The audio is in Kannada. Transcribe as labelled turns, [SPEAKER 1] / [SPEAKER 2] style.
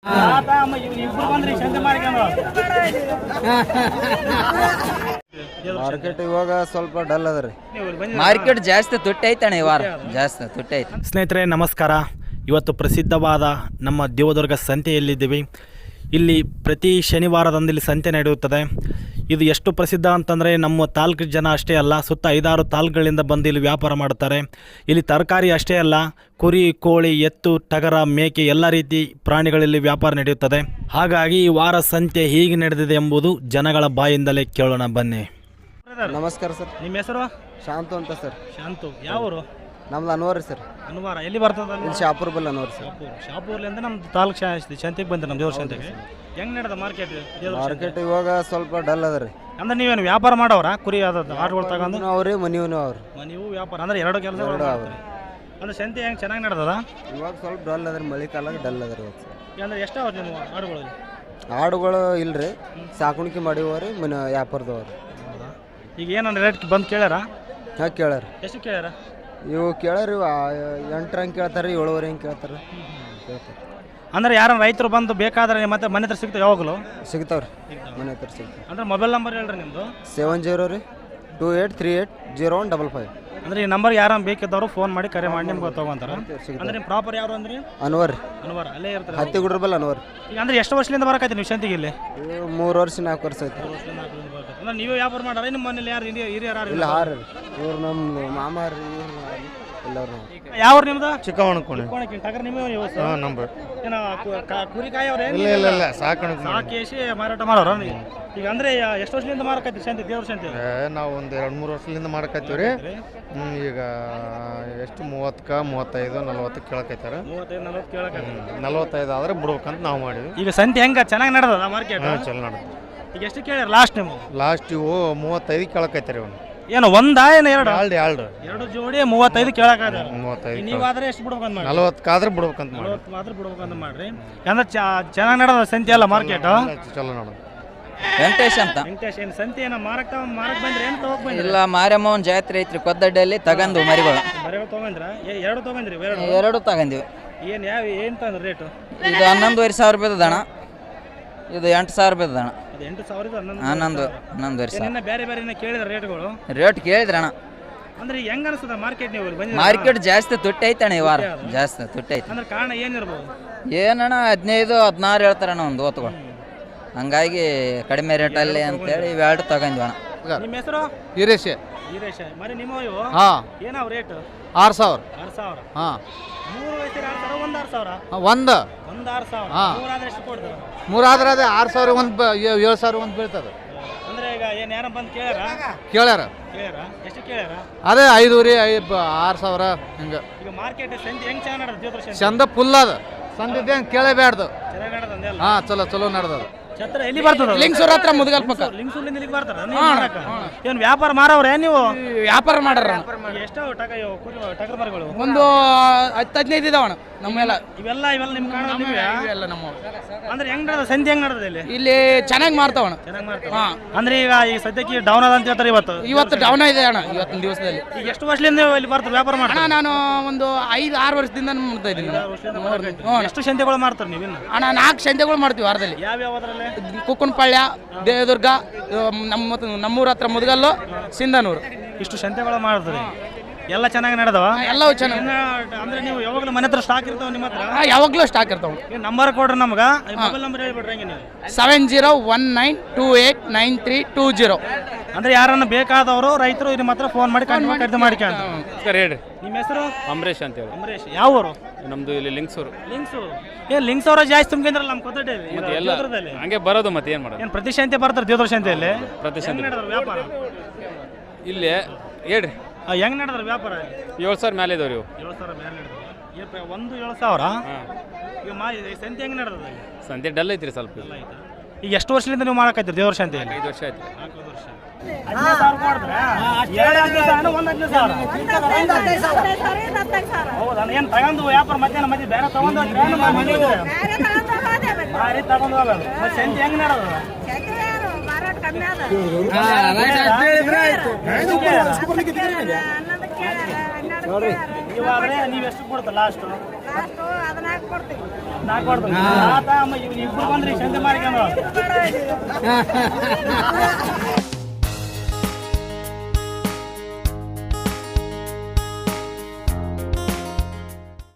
[SPEAKER 1] ಮಾರ್ಕೆಟ್ ಇವಾಗ ಸ್ವಲ್ಪ ಡಲ್ ಅದ ರೀ.
[SPEAKER 2] ಮಾರ್ಕೆಟ್ ಜಾಸ್ತಿ ತುಟ್ಟೈತಣ್ಣ ಈ ವಾರ, ಜಾಸ್ತಿ ತುಟ್ಟೈತೆ.
[SPEAKER 3] ಸ್ನೇಹಿತರೆ ನಮಸ್ಕಾರ. ಇವತ್ತು ಪ್ರಸಿದ್ಧವಾದ ನಮ್ಮ ದೇವದುರ್ಗ ಸಂತೆಯಲ್ಲಿದ್ದೀವಿ. ಇಲ್ಲಿ ಪ್ರತಿ ಶನಿವಾರದಂದು ಸಂತೆ ನಡೆಯುತ್ತದೆ. ಇದು ಎಷ್ಟು ಪ್ರಸಿದ್ಧ ಅಂತಂದರೆ ನಮ್ಮ ತಾಲೂಕು ಜನ ಅಷ್ಟೇ ಅಲ್ಲ, ಸುತ್ತ 5-6 ತಾಲೂಕುಗಳಿಂದ ಬಂದು ಇಲ್ಲಿ ವ್ಯಾಪಾರ ಮಾಡ್ತಾರೆ. ಇಲ್ಲಿ ತರಕಾರಿ ಅಷ್ಟೇ ಅಲ್ಲ, ಕುರಿ, ಕೋಳಿ, ಎತ್ತು, ಟಗರ, ಮೇಕೆ ಎಲ್ಲ ರೀತಿ ಪ್ರಾಣಿಗಳಲ್ಲಿ ವ್ಯಾಪಾರ ನಡೆಯುತ್ತದೆ. ಹಾಗಾಗಿ ಈ ವಾರ ಸಂತೆ ಹೇಗೆ ನಡೆದಿದೆ ಎಂಬುದು ಜನಗಳ ಬಾಯಿಂದಲೇ ಕೇಳೋಣ ಬನ್ನಿ.
[SPEAKER 1] ನಮಸ್ಕಾರ ಸರ್.
[SPEAKER 3] ನಿಮ್ಮ ಹೆಸರು?
[SPEAKER 1] ಶಾಂತು ಅಂತ ಸರ್.
[SPEAKER 3] ಶಾಂತು. ಯಾವರು?
[SPEAKER 1] ನಮ್ದು ಅನ್ವರ್ ಸರ್.
[SPEAKER 3] ಅನ್ವಾರ ಎಲ್ಲಿ ಬರ್ತದ?
[SPEAKER 1] ಇಲ್ಲಿ ಶಾಪುರ್ ಬಲ್ಲ ಅನ್ವರ್ ಸರ್.
[SPEAKER 3] ಶಾಪುರ್ಲಿಂದ ನಮ್ಮ ತಾಲೂಕು ಶಾಂತಿಗೆ ಬಂದ್ರೆ ನಮ್ಮ ದೇವ್ರ ಶಾಂತಿಗೆ. ಹೆಂಗೆ ನಡೆದ ಮಾರ್ಕೆಟ್?
[SPEAKER 1] ಮಾರ್ಕೆಟ್ ಇವಾಗ ಸ್ವಲ್ಪ ಡಲ್ ಅದ ರೀ.
[SPEAKER 3] ಅಂದ್ರೆ ನೀವೇನು ವ್ಯಾಪಾರ ಮಾಡೋರ? ಕುರಿ ಆಟಗಳು ತಗೊಂಡು
[SPEAKER 1] ಅವ್ರಿ ಮನಿವ್ನು ಅವ್ರು.
[SPEAKER 3] ನೀವು ವ್ಯಾಪಾರ ಅಂದ್ರೆ ಎರಡು ಕೆಲಸ ಅಂದ್ರೆ ಸಂತೆ ಹೆಂಗೆ ಚೆನ್ನಾಗಿ ನಡೆದದ?
[SPEAKER 1] ಇವಾಗ ಸ್ವಲ್ಪ ಡಲ್ ಅದ ರೀ, ಮಳೆ ಕಾಲಾಗ ಡಲ್ ಅದ ರೀ ಇವತ್ತು ಸರ್.
[SPEAKER 3] ಅಂದ್ರೆ ಎಷ್ಟು ಅವ್ರು ನಿಮ್ಮ ಆಡುಗಳಲ್ಲಿ?
[SPEAKER 1] ಆಡುಗಳು ಇಲ್ರಿ, ಸಾಕಾಣಿಕೆ ಮಾಡಿವರಿ ವ್ಯಾಪಾರದವ್ರು.
[SPEAKER 3] ಈಗ ಏನನ್ನ ರೇಟ್ ಬಂದು ಕೇಳ್ಯಾರ?
[SPEAKER 1] ಹಾಂ ಕೇಳ್ಯಾರ.
[SPEAKER 3] ಎಷ್ಟು ಕೇಳ್ಯಾರ?
[SPEAKER 1] ಇವು ಕೇಳ್ಯಾರ, 8 ಹಂಗೆ ಕೇಳ್ತಾರೆ, 7 ಹಂಗೆ ಕೇಳ್ತಾರೆ.
[SPEAKER 3] ಅಂದ್ರೆ ಯಾರು ರೈತರು ಬಂದು ಬೇಕಾದ್ರೆ ಮತ್ತೆ ಮನೆ ಹತ್ರ ಸಿಗ್ತಾವೆ? ಯಾವಾಗಲೂ
[SPEAKER 1] ಸಿಗ್ತಾವ್ರಿ, ಮನೆ ಹತ್ರ ಸಿಗ್ತಾವೆ.
[SPEAKER 3] ಅಂದ್ರೆ ಮೊಬೈಲ್ ನಂಬರ್ ಹೇಳ್ರಿ ನಿಮ್ಮದು?
[SPEAKER 1] 70 ರೀ 28380155.
[SPEAKER 3] ಅಂದ್ರೆ ಈ ನಂಬರ್ ಯಾರು ಬೇಕಿದ್ದವರು ಫೋನ್ ಮಾಡಿ ಕರೆ ಮಾಡಿ ನಿಮ್ಗೆ ತಗೊಂತಾರ. ಅಂದ್ರೆ ನಿಮ್ಮ ಪ್ರಾಪರ್ ಯಾರು ಅಂದ್ರೆ?
[SPEAKER 1] ಅನ್ವರ್.
[SPEAKER 3] ಅನ್ವಾರ ಅಲ್ಲೇ ಇರ್ತಾರೆ.
[SPEAKER 1] ಹತ್ತಿಗುಡ್ರ ಬಲ್ಲ ಅನ್ವರ್.
[SPEAKER 3] ಈಗ ಅಂದ್ರೆ ಎಷ್ಟು ವರ್ಷದಿಂದ ಬರಕೈತಿ ನೀವು ಶಾಂತಿಗೆ ಇಲ್ಲಿ?
[SPEAKER 1] 3 ವರ್ಷ 4 ವರ್ಷ ಆಯ್ತು.
[SPEAKER 3] ಅಂದ್ರೆ ನೀವೇ ವ್ಯಾಪಾರ ಮಾಡಾರ? ನಿಮ್ಮ ಮನೇಲಿ ಯಾರು ಹಿರಿಯರು?
[SPEAKER 1] ಇಲ್ಲ, 6 ಇವ್ರು ನಮ್ಮ ಮಾಮಾರಿ ಎಲ್ಲರೂ.
[SPEAKER 3] ಯಾವ ನಿಮ್ದು?
[SPEAKER 4] ಚಿಕ್ಕವಣಕೋಣೆ.
[SPEAKER 3] ಟಗರ್ ನಿಮಗೆ
[SPEAKER 4] ನಂಬರ್
[SPEAKER 3] ಕುರಿ ಕಾಯವ್ರೆ?
[SPEAKER 4] ಇಲ್ಲ
[SPEAKER 3] ಸಾಕೇಸಿ ಮಾರಾಟ ಮಾಡೋರ? ಈಗ ಅಂದ್ರೆ ಎಷ್ಟು ವರ್ಷದಿಂದ ಮಾರಕೈತಿ ಶಾಂತಿ ದೇವ್ರ ಶಾಂತಿ?
[SPEAKER 4] ನಾವು ಒಂದು 2-3 ವರ್ಷದಿಂದ ಮಾಡಕತ್ತೀವಿ ರೀ. ಈಗ ಎಷ್ಟು 30, 35, 40 ಕೇಳಕೈತಾರ.
[SPEAKER 3] 35-40 ಕೇಳಕೈತಿ.
[SPEAKER 4] 45 ಆದ್ರೆ ಬಿಡ್ಬೇಕಂತ ನಾವು ಮಾಡಿದ್ವಿ.
[SPEAKER 3] ಈಗ ಸಂತೆ ಹೆಂಗ ಚೆನ್ನಾಗಿ ನಡೆದ ಮಾರ್ಕೆಟ್?
[SPEAKER 4] ಚಲೋ ನಡೆದ.
[SPEAKER 3] ಈಗ ಎಷ್ಟು ಕೇಳ್ಯಾರ ಲಾಸ್ಟ್ ನೀವು?
[SPEAKER 4] ಲಾಸ್ಟ್ ಇವು 35 ಕೇಳಕೈತಾರ. ಇವನು
[SPEAKER 3] ಏನು ಒಂದಾ ಏನು ಎರಡು?
[SPEAKER 4] ಎರಡು
[SPEAKER 3] ಜೋಡಿ 35 ಕೇಳಕಾದ.
[SPEAKER 4] 35
[SPEAKER 3] ನೀವಾದ್ರೆ ಎಷ್ಟು ಬಿಡ್ಬೇಕಂತ ಮಾಡಿ?
[SPEAKER 4] 40 ಆದ್ರೆ ಬಿಡ್ಬೇಕಂತ ಮಾಡಿ.
[SPEAKER 3] 40 ಮಾತ್ರ ಬಿಡ್ಬೇಕಂತ ಮಾಡ್ರಿ. ಅಂದ್ರೆ ಚೆನ್ನಾಗಿ ನಡೆದ ಸಂತೆ ಅಲ್ಲ ಮಾರ್ಕೆಟ್?
[SPEAKER 4] ಚಲೋ ನಡೆದ.
[SPEAKER 2] ವೆಂಕಟೇಶ್ ಅಂತ.
[SPEAKER 3] ವೆಂಕಟೇಶ್ ಏನು ಸಂತೆ ಏನೋ ಮಾರಕ್ ಬಂದ್ರೆ ಏನು ತಗೋಕ್ ಬಂದ್ರಿ?
[SPEAKER 2] ಇಲ್ಲ, ಮಾರಮ್ಮನ ಜಾತ್ರೆ ಐತ್ರಿ ಕೊದ್ದಡ್ಡಿಯಲ್ಲಿ, ತಗಂದು ಮರಿಗಳು
[SPEAKER 3] ಮರಿಗಳು ತಗೊಂಡ್ರ? ಎರಡು ತಗೊಂಡ್ರಿ?
[SPEAKER 2] ಎರಡು ತಗೊಂಡಿವಿ.
[SPEAKER 3] ಏನು ತಂದ್ರೆ ರೇಟು?
[SPEAKER 2] ಇದು 11,500 ರೂಪಾಯಿ ದಣ, ಇದು 8,000 ರೂಪಾಯಿ ದಣ. 11,500.
[SPEAKER 3] ಬೇರೆ ಬೇರೆ ಕೇಳಿದ ರೇಟ್ಗಳು?
[SPEAKER 2] ರೇಟ್ ಕೇಳಿದ್ರಣ.
[SPEAKER 3] ಅಂದ್ರೆ ಹೆಂಗ ಅನಿಸ್ತದ ಮಾರ್ಕೆಟ್? ನೀವು
[SPEAKER 2] ಮಾರ್ಕೆಟ್ ಜಾಸ್ತಿ ತುಟ್ಟೈತಣ್ಣ ಈ ವಾರ, ಜಾಸ್ತಿ ತುಟ್ಟೈತೆ.
[SPEAKER 3] ಅಂದ್ರೆ ಕಾರಣ ಏನಿರ್ಬೋದು?
[SPEAKER 2] ಏನಣ್ಣ 15-16 ಹೇಳ್ತಾರಣ್ಣ ಒಂದು ಓತ್ಗಳು, ಹಂಗಾಗಿ ಕಡಿಮೆ ರೇಟಲ್ಲಿ ಅಂತೇಳಿ ಇವೆರಡು ತಗೊಂಡ್ವಣ.
[SPEAKER 3] ನಿಮ್ಮ ಹೆಸರು?
[SPEAKER 4] ಹಿರೇಶ್.
[SPEAKER 3] ಮರಿ ನಿಮ್ಮ ಇವು?
[SPEAKER 4] ಹಾಂ.
[SPEAKER 3] ಏನಾವ್ ರೇಟ್?
[SPEAKER 4] 6,000.
[SPEAKER 3] 6,000.
[SPEAKER 4] ಹಾಂ.
[SPEAKER 3] 3 ವಯಸ್ಸಿನ 6,000, 1 6,000?
[SPEAKER 4] ಒಂದು
[SPEAKER 3] 6,000.
[SPEAKER 4] ಹಾಂ.
[SPEAKER 3] 3 ಆದ್ರೆ ಎಷ್ಟು ಕೊಡ್ತೀರ?
[SPEAKER 4] 3 ಆದ್ರೆ ಅದೇ 6,000, 7,000 ಒಂದು ಬೀಳ್ತದೆ.
[SPEAKER 3] ಅಂದ್ರೆ ಈಗ ಏನು ಯಾರ ಬಂದು
[SPEAKER 4] ಕೇಳ್ಯಾರ.
[SPEAKER 3] ಎಷ್ಟು ಕೇಳ್ಯಾರ?
[SPEAKER 4] ಅದೇ 5 ರೀ, 6,000 ಹಿಂಗೆ.
[SPEAKER 3] ಈಗ ಮಾರ್ಕೆಟ್ ಸಂತೆ ಹೆಂಗ್ ಚೆನ್ನಾಗಿ ನಡೆದ? ದೇವರ
[SPEAKER 4] ಚಂದ ಫುಲ್ ಅದ. ಸಂದಿದ್ದೆ ಕೇಳಬೇಡ್ದು.
[SPEAKER 3] ಚೆನ್ನಾಗಿ ನಡೆದ ಅಂದೆಲ್ಲ?
[SPEAKER 4] ಹಾಂ, ಚಲೋ ನಡೆದದ.
[SPEAKER 3] ಛತ್ರ ಎಲ್ಲಿ ಬರ್ತದ?
[SPEAKER 4] ಲಿಂಗ್ಸೂರ್ ಹತ್ರ ಮುದಗಲ್ ಪಕ್ಕ.
[SPEAKER 3] ಲಿಂಗ್ಸೂರ್ಲಿಂದ ಇಲ್ಲಿಗೆ ಬರ್ತಾರ? ಏನು ವ್ಯಾಪಾರ ಮಾರವ್ರೆ ನೀವು?
[SPEAKER 4] ವ್ಯಾಪಾರ ಮಾಡ್ರ.
[SPEAKER 3] ಎಷ್ಟು ಟಗರ್ ಮರಿಗಳು?
[SPEAKER 4] ಒಂದು 10-15 ಇದಾವಣ ನಮ್ಮೆಲ್ಲ.
[SPEAKER 3] ಇವೆಲ್ಲ ನಿಮ್ಮ ಕಾಣ
[SPEAKER 4] ಇವೆಲ್ಲ ನಮ್ಮ.
[SPEAKER 3] ಅಂದ್ರೆ ಹೆಂಗ್ ನಡೆದ ಸಂತೆ? ಹೆಂಗ್ ನಡೆದ
[SPEAKER 4] ಇಲ್ಲಿ ಚೆನ್ನಾಗಿ ಮಾರ್ತಾವಣ.
[SPEAKER 3] ಚೆನ್ನಾಗಿ ಮಾಡ್ತಾವ. ಅಂದ್ರೆ ಈಗ ಸದ್ಯಕ್ಕೆ ಡೌನ್ ಅದ ಅಂತ ಹೇಳ್ತಾರೆ.
[SPEAKER 4] ಇವತ್ತು ಡೌನ್ ಇದೆ ಅಣ್ಣ, ಇವತ್ತಿನ ದಿವಸದಲ್ಲಿ.
[SPEAKER 3] ಈಗ ಎಷ್ಟು ವರ್ಷದಿಂದ ಇಲ್ಲಿ ಬರ್ತಾರೆ ವ್ಯಾಪಾರ ಮಾಡ್ತಾರೆ?
[SPEAKER 4] ನಾನು ಒಂದು 5-6 ವರ್ಷದಿಂದ ಮಾಡ್ತಾ ಇದ್ದೀನಿ.
[SPEAKER 3] ಎಷ್ಟು ಸಂತೆಗಳು ಮಾಡ್ತಾರೆ ನೀವು?
[SPEAKER 4] ಅಣ್ಣ 4 ಸಂತೆಗಳು ಮಾಡ್ತೀವಿ ವಾರದಲ್ಲಿ.
[SPEAKER 3] ಯಾವ್ಯಾವ್ದ್ರಲ್ಲಿ?
[SPEAKER 4] ಕುಕ್ಕನಪಾಳ್ಯ, ದೇವದುರ್ಗ, ನಮ್ಮೂರ ಹತ್ರ ಮುದಗಲ್ಲು, ಸಿಂಧನೂರು.
[SPEAKER 3] ಇಷ್ಟು ಸಂತೆಗಳು ಮಾಡ್ತಾರೆ. ಎಲ್ಲ ಚೆನ್ನಾಗಿ ನಡೆದವ?
[SPEAKER 4] ಎಲ್ಲವೂ ಚೆನ್ನಾಗಿ.
[SPEAKER 3] ಅಂದ್ರೆ ನೀವು ಯಾವಾಗಲೂ ಮನೆ ಹತ್ರ ಸ್ಟಾಕ್ ಇರ್ತಾವ? ನಿಮ್ಮ ಹತ್ರ
[SPEAKER 4] ಯಾವಾಗಲೂ ಸ್ಟಾಕ್ ಇರ್ತಾವ.
[SPEAKER 3] ನಂಬರ್ ಕೊಡ್ರಿ ನಮ್ಗೆ, ಮೊಬೈಲ್ ನಂಬರ್ ಹೇಳ್ಬಿಡ್ರಿ. ಹಂಗೆ ನೀವು
[SPEAKER 4] 7019289320.
[SPEAKER 3] ಅಂದ್ರೆ ಯಾರನ್ನ ಬೇಕಾದವರು ರೈತರು ನಿಮ್ಮ ಹತ್ರ ಫೋನ್ ಮಾಡಿ ಖರೀದಿ ಮಾಡಿಕೊಂಡು.
[SPEAKER 5] ಹೇಳ್ರಿ.
[SPEAKER 3] ನಿಮ್ಮ ಹೆಸರು?
[SPEAKER 5] ಅಂಬರೀಶ್ ಅಂತ ಹೇಳಿ.
[SPEAKER 3] ಅಂಬರೀಶ್. ಯಾವ ಊರು?
[SPEAKER 5] ನಮ್ದು ಇಲ್ಲಿ ಲಿಂಗ್ಸೂರು.
[SPEAKER 3] ಲಿಂಕ್ಸ್ ಅವರ ಜಾಸ್ತಿ ತುಂಬಿದ್ರಲ್ಲ ನಮ್ಮ ಕೊತ್ತಡೆ
[SPEAKER 5] ಎಲ್ಲ ಹಂಗೆ ಬರೋದು. ಮತ್ತೆ ಏನು ಮಾಡೋದು?
[SPEAKER 3] ಏನು ಪ್ರತಿ ಶಾಂತಿ ಬರ್ತಾರೆ ದೇವರ ಶಾಂತಿಯಲ್ಲಿ?
[SPEAKER 5] ಪ್ರತಿ ಶಾಂತಿ
[SPEAKER 3] ವ್ಯಾಪಾರ
[SPEAKER 5] ಇಲ್ಲಿ ಹೇಳ್ರಿ.
[SPEAKER 3] ಹೆಂಗ್ ನಡೆದ್ರ ವ್ಯಾಪಾರ?
[SPEAKER 5] 7,000 ಮೇಲೆ ಇದಾವ್ರಿ ಇವು.
[SPEAKER 3] 7,000 ಮೇಲೆ ನಡೆದ. ಒಂದು 7,000. ಈಗ ಸಂತೆ ಹೆಂಗ್ ನಡೆದ?
[SPEAKER 5] ಸಂತೆ ಡಲ್ ಐತ್ರಿ ಸ್ವಲ್ಪ.
[SPEAKER 3] ಈಗ ಎಷ್ಟು ವರ್ಷದಿಂದ ನೀವು ಮಾಡಕತ್ತೀರಿ ದೇವರ ಶಾಂತಿಯಲ್ಲಿ?
[SPEAKER 5] 5 ವರ್ಷ ಆಯ್ತು.
[SPEAKER 3] 4 ವರ್ಷ. 15,000 ಹೌದಾ? ಏನು ತಗೊಂಡು ವ್ಯಾಪಾರ ಮಧ್ಯಾಹ್ನ ಮಧ್ಯೆ ಬೇರೆ ತಗೊಂಡು ಸಂತೆ ಹೆಂಗ್ ನಡೆದ? ನೀವು ಎಷ್ಟು ಕೊಡ್ತ ಲಾಸ್ಟ್? ನಾಲ್ಕು ಕೊಡ್ತೀನಿ ಇಬ್ರು ಬಂದ್ರಿ ಸಂತೆ ಮಾಡ್ಕೊಂಡು